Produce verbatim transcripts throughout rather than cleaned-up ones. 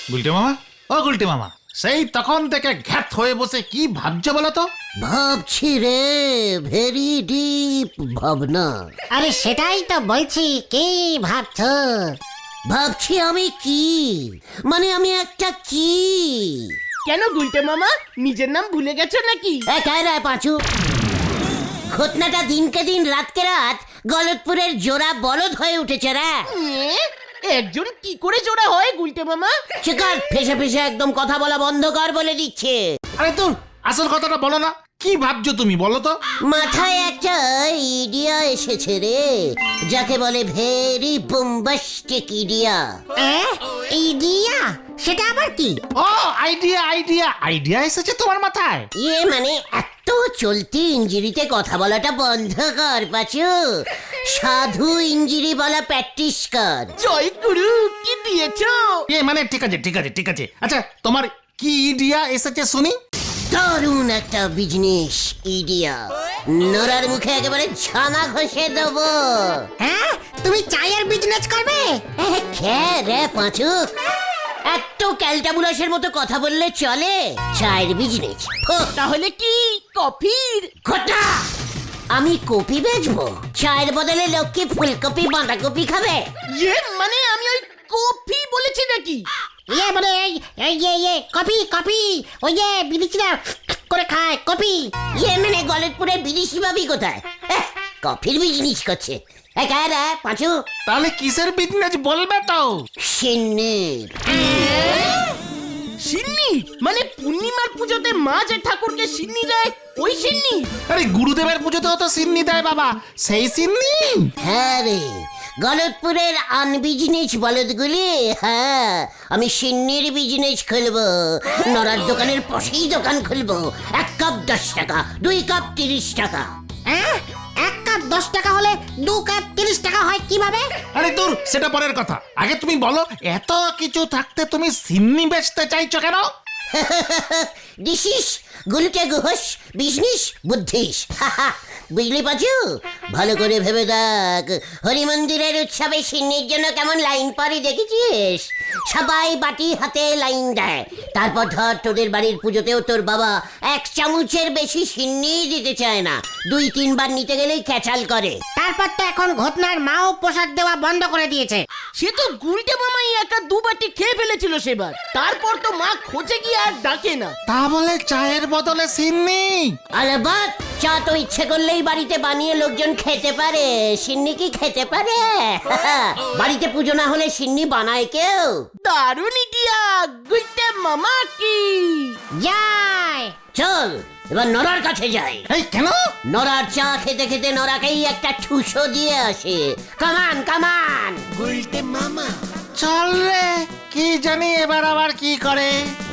গুলটে মামা, ও গুলটে মামা, সেই তখন থেকে ঘ্যাত হয়ে বসে কি ভাবছো বলো তো? ভাবছি রে, ভেরি ডিপ ভাবনা। আরে সেটাই তো বলছি, কি ভাবছো? ভাবছি আমি কি, মানে আমি একটা কি। কেন গুলটে মামা, নিজের নাম ভুলে গেছো নাকি? এ কায়রা পাঁচু, ঘটনাটা দিনকে দিন রাতকে রাত গলতপুরের জোড়া বলদ হয়ে উঠেছে রে। এ, একজন কি করে জোড়া হয় গুলটে মামা? চিকার ফেসে ফেসে একদম কথা বলা বন্ধ কর বলে দিচ্ছে। আরে তোর আসল কথাটা বলো না, কি ভাবছো তুমি বলো তো? মাথায় একটা ইডিয়া এসেছে রে, যাকে বলে ভেরি বোম্বাস্টিক ইডিয়া। ইডিয়া? সেটা আবার কি? ও আইডিয়া আইডিয়া আইডিয়া এসেছে তোমার মাথায়? ইয়ে মানে এত চলতি ইঞ্জিরিতে কথা বলাটা বন্ধ কর পাচু, সাধু ইঞ্জিরি বলা প্র্যাকটিস কর। জয় গুরু, কি দিয়েছো? এ মানে ঠিক আছে ঠিক আছে ঠিক আছে, আচ্ছা তোমার কি আইডিয়া এসেছে শুনি? দারুণ একটা বিজনেস ইডিয়া, নোরার মুখে একেবারে ছানা ঘষে দেবো। হ্যাঁ, তুমি চায়ের বিজনেস করবে? খে রে পাঁচু, এত ক্যালটাবুলাসের মতো কথা বললে চলে? চায়ের বিজনেস তাহলে কি কফির? ঘটা, আমি কপি বেচবো? চায়ের বদলে লোক কি ফুলকপি বাঁধাকপি খাবে? ইয়ে মানে আমি ওই কফি বলেছি নাকি? ইয়ে মানে এই এই ইয়ে ইয়ে কপি কপি, ওই যে বিদেশিরা করে খায় কপি। ইয়ে মানে গলতপুরের বিদেশি ভাবি কোথায়? এহ, কফির বিজনেস করছে। এই কায় রে পাঁচু? তাহলে কিসের বিজনেস বলবে তো? সিন্নির। সিন্নি মানে পূর্ণিমার পুজোতে মা যে ঠাকুরকে সিন্নি দেয়, ওই সিন্নি? আরে গুরুদেবের পুজোতেও তো সিন্নি দেয় বাবা, সেই সিন্নি। হ্যাঁ রে, গলতপুরের আনবিজনেস বলদগুলি। হ্যাঁ, আমি সিন্নির বিজনেস খুলবো, নড়ার দোকানের পাশেই দোকান খুলবো। এক কাপ দশ টাকা, দুই কাপ তিরিশ টাকা। হ্যাঁ, এক কাপ দশ টাকা হলে দু কাপ তিরিশ টাকা হয় কিভাবে? আরে দূর, সেটা পরের কথা, আগে তুমি বলো এত কিছু থাকতে তুমি সিন্নি বেচতে চাইছো কেন? দিস ইস গুলকে গুহস বিজনেস বুদ্ধিস। বুঝলি পাচু, ভালো করে ভেবে দেখ, হরি মন্দিরের উৎসবে সিন্নির জন্য কেমন লাইন পরে দেখেছিস? সবাই বাটি হাতে লাইন দেয়। তারপর ধর তোদের বাড়ির পুজোতেও তোর বাবা এক চামচের বেশি সিন্নি দিতে চায় না, দুই তিনবার নিতে গেলেই ক্যাচাল করে। তারপর তো এখন ঘটনার মাও প্রসাদ দেওয়া বন্ধ করে দিয়েছে। সে তো গুলটে মামাই একা দু বাটি খেয়ে ফেলেছিল সেবার, তারপর তো মা খোঁজে গিয়ে আর ডাকে না। তা বলে চায়ের বদলে সিন্নি? আলবাত, চা তো ইচ্ছে করলেই বাড়িতে বানিয়ে লোকজন খেতে পারে, সিন্নি কি খেতে পারে? বাড়িতে পুজো না হলে সিন্নি বানায় কেউ? দারুণ ইডিয়া, গুলটে মামা কি যায়। চল এবার নরার কাছে যাই। এই কেন? নরার চা খেতে খেতে নরাকেই একটা ঠুসো দিয়ে আসে। কামান কামান। গুলটে মামা। চল রে, কি জানি এবার আবার কি করে।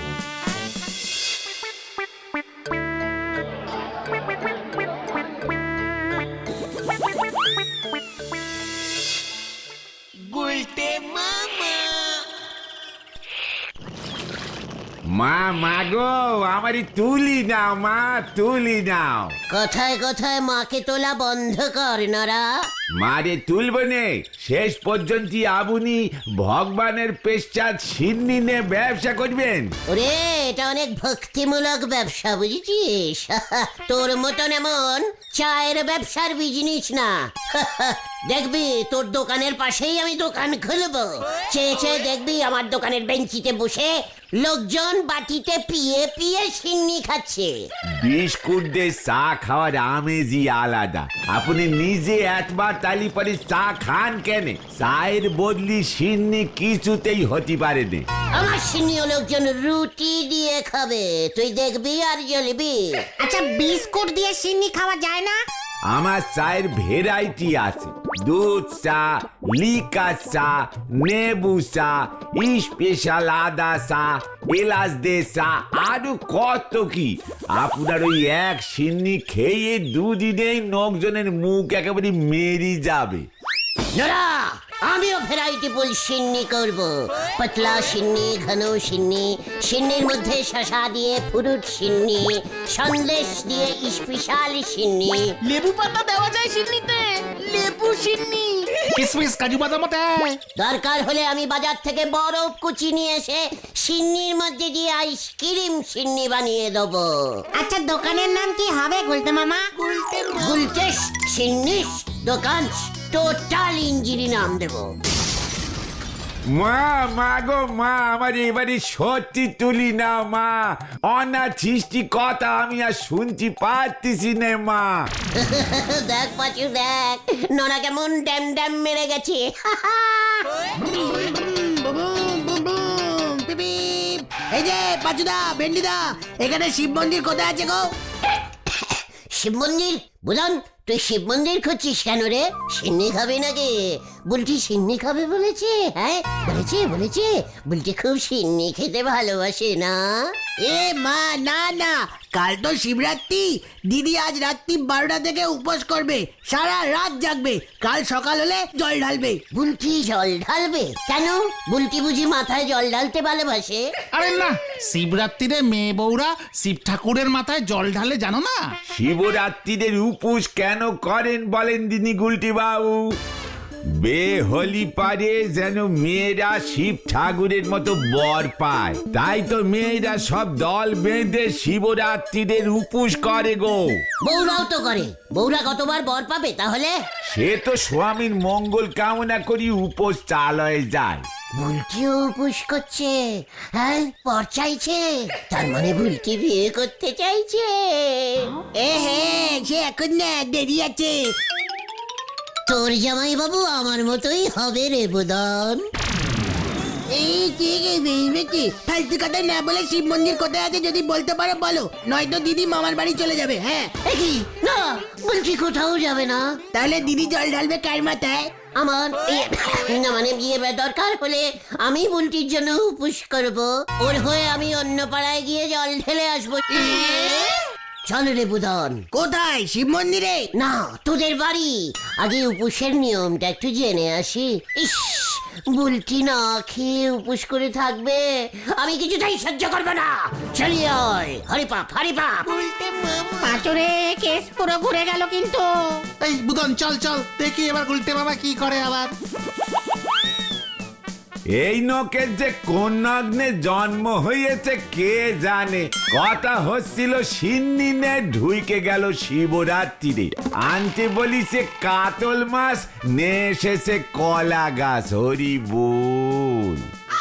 মা মাগো, আমারই তুলি নাও মা, তুলি নাও। কথায় কথায় মাকে তোলা বন্ধ কর নরা। মারে তুলব নে, শেষ পর্যন্ত আবুনি ভগবানের পেশ্চাৎ সিন্নি নে ব্যবসা করবেন। ওরে, এটা অনেক ভক্তিমূলক ব্যবসা, বুঝেছিস? তোর মতন এমন চায়ের ব্যবসার বিজনেস না। দেখবি তোর দোকানের পাশেই আমি দোকান খুলবো। চেয়ে চেয়ে দেখবি আমার দোকানের বেঞ্চিতে বসে লোকজন বাটিতে পিয়ে পিয়ে সিন্নি খাচ্ছে। বিস্কুট দিয়ে চা খাওয়ার আমেজই আলাদা। আপনি নিজে একবার তালি পরে চা খান কেন? চায়ের বদলি সিন্নি কিছুতেই হতে পারে না। আমার সিন্নিও লোকজন রুটি দিয়ে খাবে, তুই দেখবি আর জ্বলবি। আচ্ছা, বিস্কুট দিয়ে সিন্নি খাওয়া যায় না? আমার চায়ের ভেরাইটি আছে, দুধ চা, লিকা চা, নেবু চা, স্পেশাল আদা চা, এলাচ দে চা, আরো কত কি। আপনার ওই এক সিন্নি খেয়ে দুদিনেই লোকজনের মুখ একেবারে মেরি যাবে। নরা, আমিও ভ্যারাইটি ফুল সিন্নি করব। পাতলা সিন্নি, ঘন সিন্নি, সিন্নির মধ্যে শসা দিয়ে ফুরুট সিন্নি, সন্দেশ দিয়ে স্পেশাল সিন্নি। লেবু পাতা দেওয়া যায় সিন্নিতে, লেবু সিন্নি। কিসমিস কাজু বাদাম দেয়। দরকার হলে আমি বাজার থেকে বরফ কুচি নিয়ে এসে সিন্নির মধ্যে দিয়ে আইসক্রিম সিন্নি বানিয়ে দেবো। আচ্ছা দোকানের নাম কি হবে গুলতে মামা? গুলটেস সিন্নিস দোকান, টোটাল ইঞ্জিনি নাম দেবো। মা মা গো মা, আমার এবারে সত্যি তুলি না মা, অনাছিষ্টি কথা আমি আর শুনতে পারতেছি না মা। দেখ পাচু দেখ, নোনা কেমন ড্যাম ড্যাম মেরে গেছে। এই যে পাচুদা, ভেন্ডিদা, এখানে শিব মন্দির কোথায় আছে গো? শিব মন্দির? বুধন, তুই শিব মন্দির খুঁজছিস কেন রে? সিন্নি খাবে নাকি? বুলটি সিন্নি খাবে বলেছে? হ্যাঁ বলেছে বলেছে, বুলটি খুব সিন্নি খেতে ভালোবাসে না? এ মা, না না, কাল তো শিবরাত্রি। দিদি আজ রাত্রি বারোটা থেকে উপোস করবে, সারা রাত জাগবে, কাল সকাল হলে জল ঢালবে। বুলটি জল ঢালবে কেন? বুলটি বুঝি মাথায় জল ঢালতে ভালোবাসে? আরে না, শিবরাত্রিরে মেয়ে বউরা শিব ঠাকুরের মাথায় জল ঢালে জানো না? শিবরাত্রিদের উপোস কেন করেন বলেন দিনি গুলটি বাবু? বে হলি পারে যেন মেয়েরা শিব ঠাকুরের মতো বর পায়, তাই তো মেয়েরা সব দল বেঁধে শিবরাত্রিদের উপোস করে গো। বউরাও তো করে, বউরা কতবার বর পাবে তাহলে? সে তো স্বামীর মঙ্গল কামনা করি উপোস চালয়ে যায়। বুলটিও উপোস করছে? হ্যাঁ, পর চাইছে, তার মানে বুলটি বিয়ে করতে চাইছে। এ হে, সে এখন না, দেরি আছে। তোর জামাই বাবু আমার মতোই হবে রে বুদন। এই ঠিক আছে, ফালতু কথা না বলে শিব মন্দির কোথায় আছে যদি বলতে পারো বলো, নয়তো দিদি মামার বাড়ি চলে যাবে। হ্যাঁ, কি না, বুলটি কোথাও যাবে না। তাহলে দিদি জল ঢালবে কার মাথায়? আমার এ- না মানে বিয়ে বা দরকার হলে আমি বুলটির জন্য উপোস করব, ওর হয়ে আমি অন্য পাড়ায় গিয়ে জল ঢেলে আসবো। চল রে বুদন। কোথায়? শিব মন্দিরে? না, তোদের বাড়ি। আগে উপোসের নিয়মটা একটু জেনে আসি। ইস, বুলটি না খেয়ে উপোস করে থাকবে, আমি কিছুতেই সহ্য করবো না। চলিয়ে আয়, হরি পাপ হরি পাপ। পাঁচুরে কেস পুরো ঘুরে গেল কিন্তু। এই বুদন চল চল, দেখি এবার গুলটে বাবা কি করে আবার। এই নকের যে কোন নগ্নে জন্ম হয়েছে কে জানে। কথা হচ্ছিল সিন্নি নে ঢুইকে গেল শিবরাত্রিরে, আনতে বলিছে কাতল মাছ, নে এসেছে কলা গাছ। হরি বল।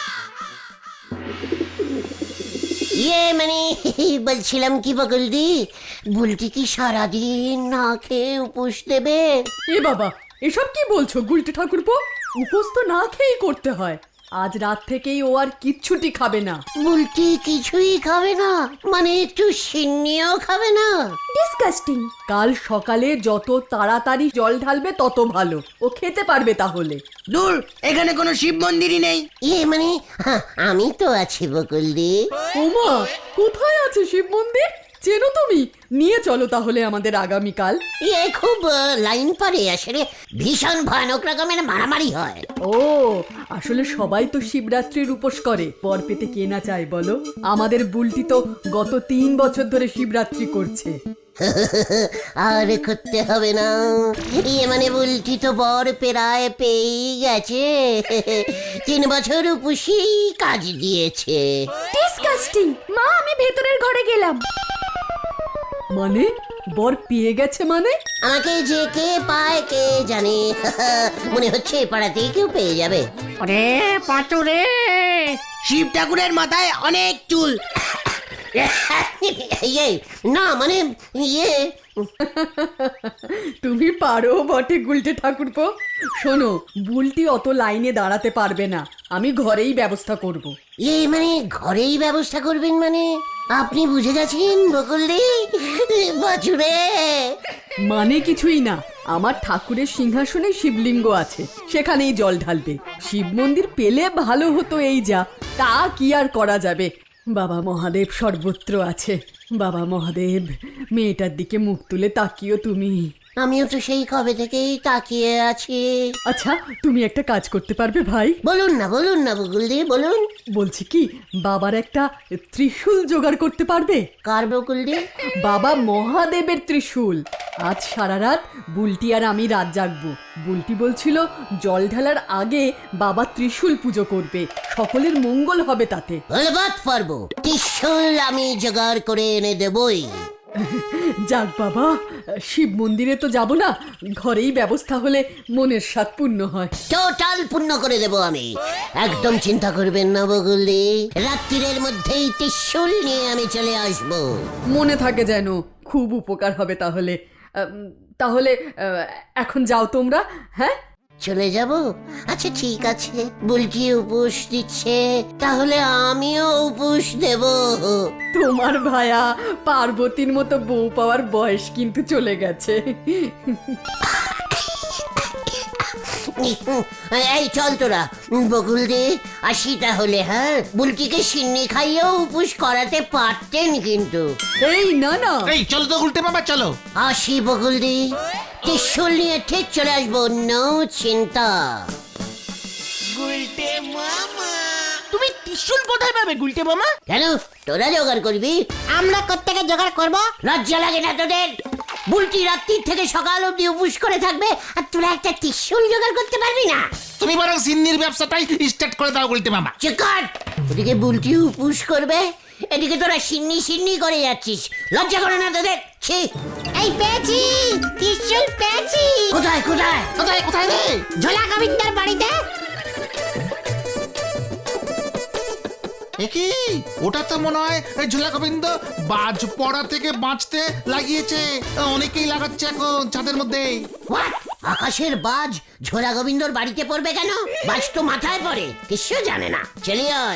ইয়ে মানে বলছিলাম কি বকুলদি, বুলটি কি সারাদিন না খেয়ে উপোস দেবে? এ বাবা, এসব কি বলছো গুলটে ঠাকুরপো? উপোস তো না খেয়েই করতে হয়। আজ রাত থেকেই ও আর কিচ্ছুটি খাবে না। বুলটি কিছুই খাবে না মানে একটু সিন্নিও খাবে না? ডিসকাস্টিং। কাল সকালে যত তাড়াতাড়ি জল ঢালবে তত ভালো, ও খেতে পারবে তাহলে। দূর, এখানে কোনো শিব মন্দিরই নেই। ইয়ে মানে হা, আমি তো আছি বকুলদি। ওমা, কোথায় আছে শিব মন্দির? চেনো তুমি? নিয়ে চলো তাহলে আমাদের আগামীকাল। ইয়ে খুব আহ, লাইন পারে, আসলে ভীষণ ভয়ানক রকমের মারামারি হয়। ও, আসলে সবাই তো শিবরাত্রির উপোস করে, বর পেতে কে না চায় বলো? আমাদের বুলটি তো গত তিন বছর ধরে শিবরাত্রি করছে। আর করতে হবে না, ইয়ে মানে বুলটি তো বর পেরায় পেয়েই গেছে। তিন বছর উপসি কাজ দিয়েছে। ডিসকাস্টিং। মা, আমি ভেতরের ঘরে গেলাম। মানে বর পেয়ে গেছে মানে? আমাকে যে কে পায় কে জানে। মনে হচ্ছে পাড়াতেই কেউ পেয়ে যাবে। ওরে পাঁচুরে, শিব ঠাকুরের মাথায় অনেক চুল। ইয়ে না মানে ইয়ে তুমি পারো বটে গুলটে ঠাকুরপো। শোনো, বুলটি অত লাইনে দাঁড়াতে পারবে না, আমি ঘরেই ব্যবস্থা করব। ইয়ে মানে ঘরেই ব্যবস্থা করবেন মানে? আপনি বুঝে গেছেন বকুলদি বাছুরে? মানে কিছুই না, আমার ঠাকুরের সিংহাসনে শিবলিঙ্গ আছে, সেখানেই জল ঢালবে। শিব মন্দির পেলে ভালো হতো, এই যা, তা কি আর করা যাবে। বাবা মহাদেব সর্বত্র আছে। বাবা মহাদেব, মেয়েটার দিকে মুখ তুলে তাকিও তুমি। আমিও তো সেই কবে থেকেই তাকিয়ে আছি। আচ্ছা, তুমি একটা কাজ করতে পারবে ভাই? বলুন না বলুন না বকুলদি বলুন। বলছি কি, বাবার একটা ত্রিশূল জোগাড় করতে পারবে? কার বকুলদি? বাবা মহাদেবের ত্রিশূল। আজ সারা রাত বুলটি আর আমি রাত জাগবো। বুলটি বলছিল জল ঢালার আগে বাবা ত্রিশূল পুজো করবে, সকলের মঙ্গল হবে তাতে। বলবাত পারবো, ত্রিশূল আমি জোগাড় করে এনে দেবই। যাক বাবা, শিব মন্দিরে তো যাব না, ঘরেই ব্যবস্থা হলে মনের স্বাদ পূর্ণ হয়। টোটাল পূর্ণ করে দেব আমি, একদম চিন্তা করবেন না বগুলি। রাত্রির মধ্যেই ত্রিশূল নিয়ে আমি চলে আসব। মনে থাকে যেন, খুব উপকার হবে তাহলে। আম, তাহলে আহ, এখন যাও তোমরা। হ্যাঁ, চলে যাব? আচ্ছা ঠিক আছে, বুলটি উপোস দিচ্ছে, তাহলে আমিও উপোস দেব। তোমার ভায়া পার্বতীর মতো বউ পাওয়ার বয়স কিন্তু চলে গেছে। এই চল তোরা, বকুল দি আসি তাহলে। হ্যাঁ, বুলটিকে সিন্নি খাইয়েও উপোস করাতে পারতেন কিন্তু। এই না না, এই চলো তো উল্টে মামা, চলো। আসি বকুল দি, ত্রিশূল নিয়ে ঠিক চলে আসবো, নো চিন্তা। তুমি ত্রিশূল কোথায় পাবে গুলটে মামা? কেন, তোরা জোগাড় করবি? আমরা কোত্থেকে জোগাড় করব? লজ্জা লাগে না তোদের? বুলটি রাত্রির থেকে সকাল অব্দি উপোস করে থাকবে, আর তোরা একটা ত্রিশূল জোগাড় করতে পারবি না? তুমি বরং সিন্নির ব্যবসাটাই স্টার্ট করে দাও উল্টে মামা। চিকার, ওদিকে বুলটি উপোস করবে, এদিকে তোরা সিন্নি সিন্নি করে যাচ্ছিস, লজ্জা করে না তোদের? ছি! এই পেয়েছি, ত্রিশূল পেয়েছি। কোথায় কোথায়? কোথায় কোথায় রে? ঝোলা গোবিন্দার বাড়িতে। একি ওটা তো মনে হয় এই ঝোলা গোবিন্দ বাজ পড়া থেকে বাঁচতে লাগিয়েছে। অনেকেই লাগাচ্ছে এখন ছাদের মধ্যে। What? আকাশের বাজ ঝোলা গোবিন্দর বাড়িতে পড়বে কেন? বাজ তো মাথায় পড়ে, কিছু জানে না। চলি আয়।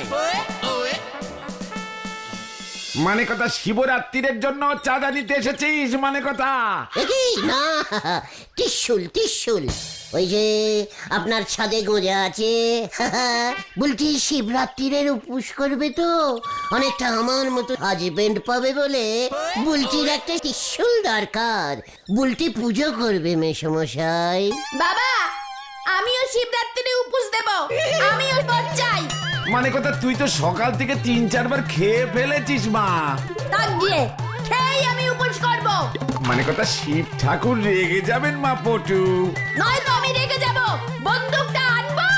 মানে কথা শিবরাত্রির জন্য চাঁদা নিতে এসেছিস? মানে কথা একি না, ত্রিশূল ত্রিশূল ওই যে আপনার ছাদে গোজা আছে। বলছি শিবরাত্রির উপোস করবে তো, অনেকটা আমার মতো হাজবেন্ড পাবে বলে বুলটির একটা ত্রিশূল দরকার। বুলটি পুজো করবে মেসমশাই। বাবা আমিও শিবরাত্রিরে উপোস দেব, আমিও বর চাই। মানে কথা তুই তো সকাল থেকে তিন চারবার খেয়ে ফেলেছিস মা। তাক দিয়ে খেয়েই আমি উপোস করব। মানে কথা শিব ঠাকুর রেগে যাবেন মা পটু। নয় তো আমি রেগে যাব, বন্দুকটা আনবো।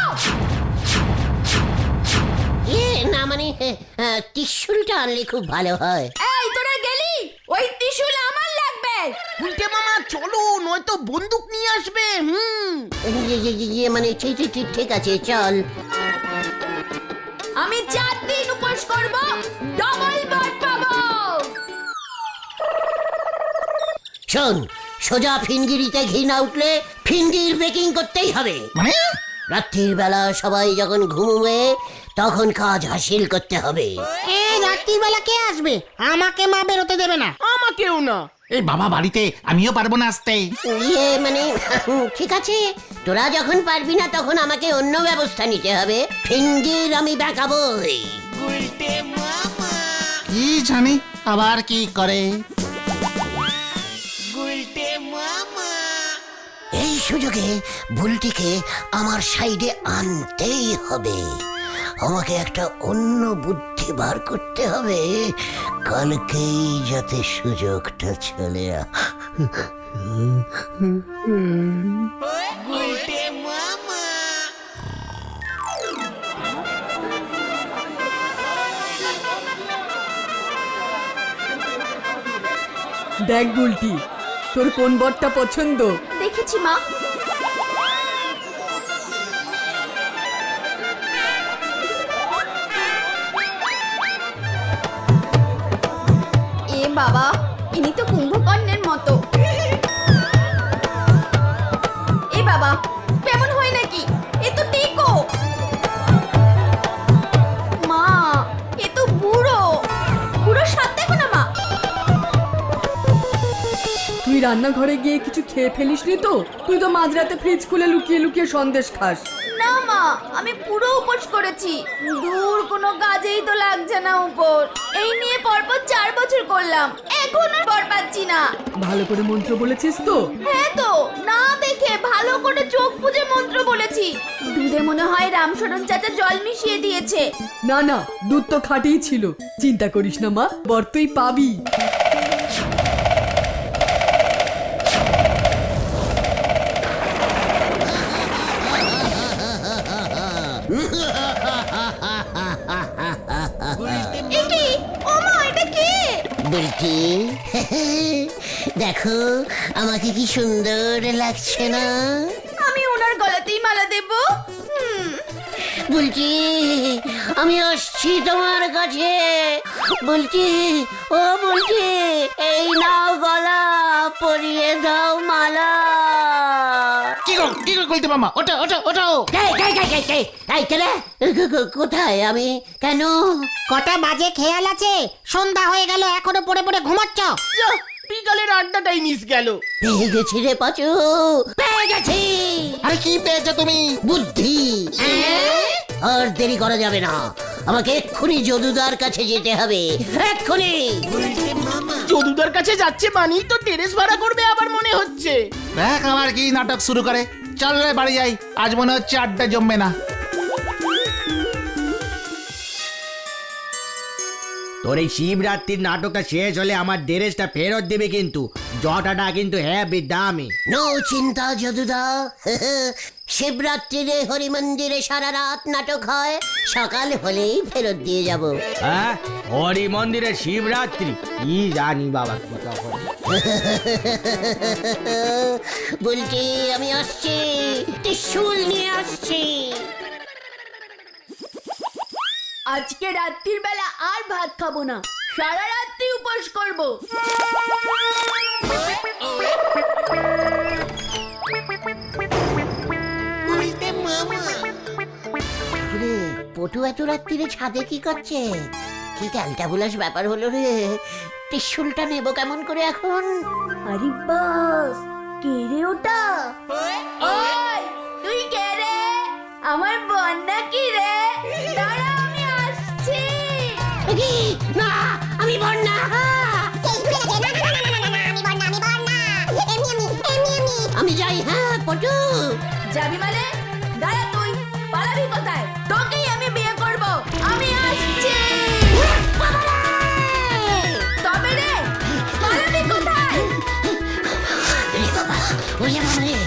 এ না মানে আহ, ত্রিশূলটা আনলে খুব ভালো হয়। এই তোরা গেলি, ওই ত্রিশূল আমার লাগবে। গুলটে মামা চলো, নয়তো বন্দুক নিয়ে আসবে। হুম, ইয়ে, ইয়ে, ইয়ে, মানে ঠিক ঠিক ঠিক ঠিক আছে, চল। আমি চার দিন উপোস করব, ডবল বর পাবো। শোন, সোজা ফিনগিরিতে ঘি না উঠলে ফিনগির বেকিং করতেই হবে। মানে রাত্রির বেলা সবাই যখন ঘুমোবে তখন কাজ হাসিল করতে হবে। এই রাত্রির বেলা কে আসবে? আমাকে মা বেরোতে দেবে না। আমাকেও না। এই বাবা বাড়িতে, আমিও পারবো না আসতে। ইয়ে মানে ঠিক আছে, তোরা যখন পারবি না তখন আমাকে অন্য ব্যবস্থা নিতে হবে। ফিনগির আমি বেঁকাবই। কি জানি আবার কি করে। এই সুযোগে বুলটিকে আমার সাইডে আনতেই হবে। আমাকে একটা অন্য বুদ্ধি বার করতে হবে, কালকেই যাতে সুযোগটা চলে আ দেখ বুলটি, তোর কোন বরটা পছন্দ? দেখেছি মা। এ বাবা, ইনি তো কুম্ভকর্ণের মতো। এ বাবা, কেমন হয় নাকি? এ তো টেকো। মা, এ তো বুড়ো। বুড়ো সাথ দেখো না মা। তুই রান্নাঘরে গিয়ে কিছু খেয়ে ফেলিসনি তো? তুই তো মাঝরাতে ফ্রিজ খুলে লুকিয়ে লুকিয়ে সন্দেশ খাস। না মা, আমি পুরো উপোস করেছি। দূর কোনো কাজেই তো লাগছে না উপোস। এই নিয়ে পরপর চার বছর করলাম, এখনো বর পাচ্ছি না। ভালো করে মন্ত্র বলেছিস তো? হ্যাঁ তো, না দেখে ভালো করে চোখ বুজে মন্ত্র বলেছি। দুধে মনে হয় রামশরণ চাচা জল মিশিয়ে দিয়েছে। না না, দুধ তো খাটেই ছিল। চিন্তা করিস না মা, বর তুই পাবি। বলছি দেখো আমাকে কি সুন্দর লাগছে না? আমি ওনার গলাতেই মালা দেব। হুম, বলছি আমি আসছি তোমার কাছে। বলছি ও বলছি এই নাও গলা পরিয়ে দাও মালা। কি গো কি গো গুলতে মামা, ওটা ওটা ওটাও। এই, এই, এই, এই, এই, এই, কেরে? কো- কো- কোথায় আমি? কেন? কটা বাজে খেয়াল আছে? সন্ধ্যা হয়ে গেল এখনো পড়ে পড়ে ঘুমাচ্ছ? বিকালের আড্ডাটাই মিস গেল। পেয়ে গেছি রে পাচু, পেয়ে গেছি আরে কি পেয়েছো তুমি? বুদ্ধি। আর দেরি করা যাবে না, আমাকে এক্ষুনি যদুদার কাছে যেতে হবে, এক্ষুনি। যদুদার কাছে যাচ্ছে মানেই তো টেরেস ভাড়া করবে আবার মনে হচ্ছে। দেখ আবার কি নাটক শুরু করে। চল রে বাড়ি যাই, আজ মনে হচ্ছে আড্ডা জমবে না। তোর এই শিবরাত্রির নাটকটা শেষ হলে আমার ড্রেসটা ফেরত দেবে, কিন্তু জটাটা কিন্তু হ্যাঁ দামি। নো চিন্তা যদুদা, শিবরাত্রিরে হরি মন্দিরে সারা রাত নাটক হয়, সকাল হলেই ফেরত দিয়ে যাব। হ্যাঁ, হরি মন্দিরে শিবরাত্রি কি জানি বাবা কি তখন। বলছি আমি আসছি, ত্রিশূল নিয়ে আসছি। আজকে রাত্রির বেলা আর ভাত খাবো না, সারা রাত্রি উপোস করব। রে পটু এত রাত্রিরে ছাদে কি করছে? কি ক্যালটাবুলাস ব্যাপার হলো রে। ত্রিশূলটা নেব কেমন করে এখন? আরে বাস, কে রে ওটা? ওই তুই কে রে? আমার বন্যা কি রে? দাঁড়া আমি আসছি। কি? না আমি বন্যা। আমি যাই। হ্যাঁ পটু। যাবি মানে? দাঁড়া তুই, পালাবি কোথায়? তোকেই আমি বিয়ে করব, আমি আসছি। তবে রে, পালাবি কোথায়? ওরে বাবা রে।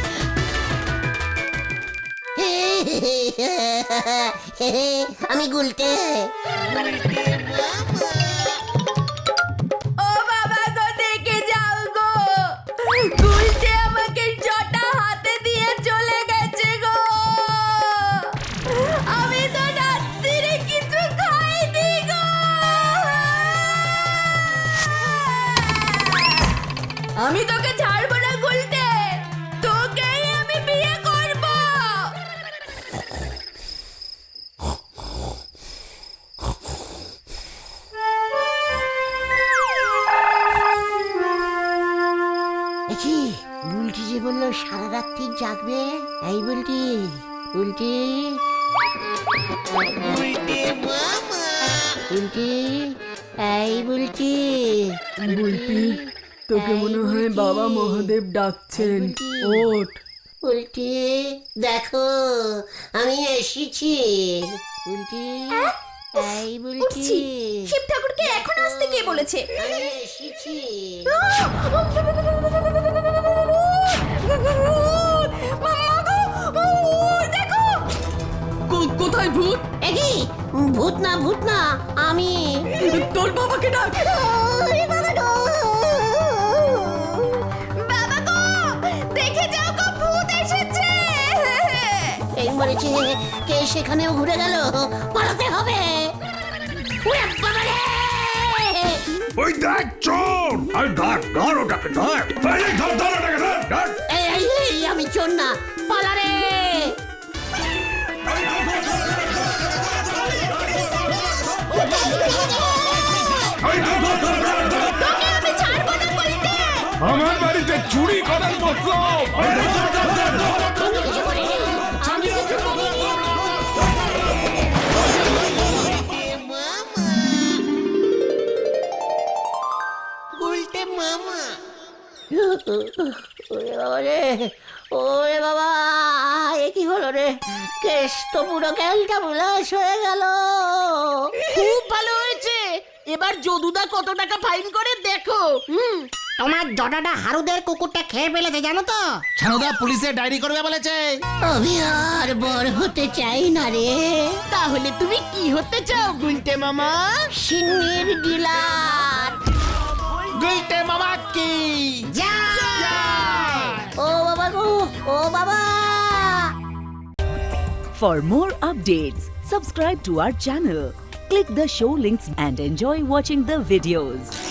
আমি গুলতে। ও বাবা গো, দেখে যাও গো, গুলতে আমাকে জটা হাতে দিয়ে চলে গেছে গো। আমি তো রাত্রিরে কিছু খাইনি গো। আমি তোকে ছাড়বো না গুলতে, তোকেই আমি বিয়ে করব। দেখি বুলটি যে বললো সারা রাত্রি জাগবে। এই বুলটি, বুলটি, বুলটি, এই বুলটি। বুলটি, তোকে মনে হয় বাবা মহাদেব ডাকছেন, ওঠ। বুলটি দেখো আমি এসেছি। বুলটি, এই বুলটি, উঠছি। শিব ঠাকুরকে এখন আসতে কে বলেছে? আমি এসেছি। কো- কোথায় ভূত? একই ভূত না, ভূত না, আমি। তোর বাবাকে ডাক। বাবা গো, দেখে যাও গো, ভূত এসেছে। এই মরেছে, কে সেখানেও ঘুরে গেল, পালাতে হবে। ওরে বাবা রে! ওই দেখ চোর! আরে ধর ধর ওটাকে ধর! এই ধর ধর ওটাকে ধর ধর! এই, এই, এই, আমি চোর না, পালা রে! এই ধর ধর ধর ধর ধর! তোকে আমি ছাড়বো না বলতে। আমার বাড়িতে চুরি করার মতলব! এই ধর ধর ধর ধর ধর! আমি কিছু করিনি, আমি কিছু করিনি। ওরে বাবা রে, ওরে বাবা, এ কি হলো রে? কেস তো পুরো ক্যালটা বুলাস হয়ে গেল। খুব ভালো হয়েছে। এবার যদুদা কত টাকা ফাইন করে দেখো। হুম, তোমার জটাটা হারুদের কুকুরটা খেয়ে ফেলেছে জানো তো? ছানুদা পুলিশে ডায়েরি করবে বলেছে। আমি আর বড় হতে চাই না রে। তাহলে তুমি কি হতে চাও গুলটে মামা? সিন্নির ডিলার। গুলটে মামা কি ও বাবা গো, ও বাবা। For more updates, subscribe to our channel, click the show links and enjoy watching the videos.